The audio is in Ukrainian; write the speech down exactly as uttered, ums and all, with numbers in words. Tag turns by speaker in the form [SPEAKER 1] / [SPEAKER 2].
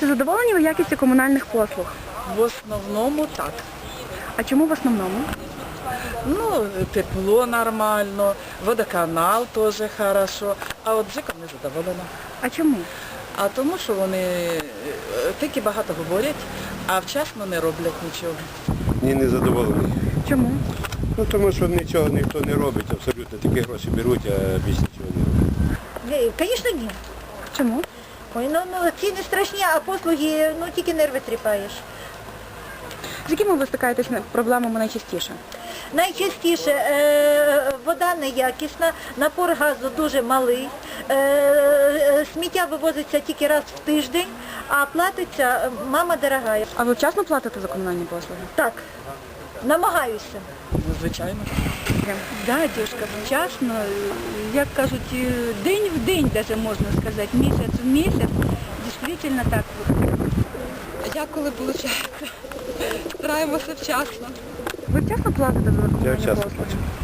[SPEAKER 1] Чи задоволені ви якістю комунальних послуг?
[SPEAKER 2] В основному так.
[SPEAKER 1] А чому в основному?
[SPEAKER 2] Ну, тепло нормально, водоканал теж хорошо, а от ЖЕКом не задоволена.
[SPEAKER 1] А чому?
[SPEAKER 2] А тому, що вони е, тільки багато говорять, а вчасно не роблять нічого.
[SPEAKER 3] Ні, не задоволений.
[SPEAKER 1] Чому?
[SPEAKER 3] Ну тому що нічого ніхто не робить, абсолютно такі гроші беруть, а більш нічого не роблять.
[SPEAKER 4] Звісно, ні.
[SPEAKER 1] Чому?
[SPEAKER 4] Ой, ну, ну ціни страшні, а послуги, ну тільки нерви тріпаєш.
[SPEAKER 1] З якими ви стикаєтесь проблемами найчастіше?
[SPEAKER 4] Найчастіше е, вода неякісна, напор газу дуже малий, е, е, сміття вивозиться тільки раз в тиждень, а платиться мама дорогая.
[SPEAKER 1] А ви вчасно платите за комунальні послуги?
[SPEAKER 4] Так, намагаюся.
[SPEAKER 2] Ну, звичайно.
[SPEAKER 5] Да, дівчинка, вчасно, як кажуть, день в день, даже можна сказати, місяць в місяць, дійсно так.
[SPEAKER 6] Як коли виходить? Стараємося вчасно.
[SPEAKER 1] Ви вчасно платите за
[SPEAKER 3] Я
[SPEAKER 1] комунальні
[SPEAKER 3] вчасно
[SPEAKER 1] послуги?
[SPEAKER 3] плачу.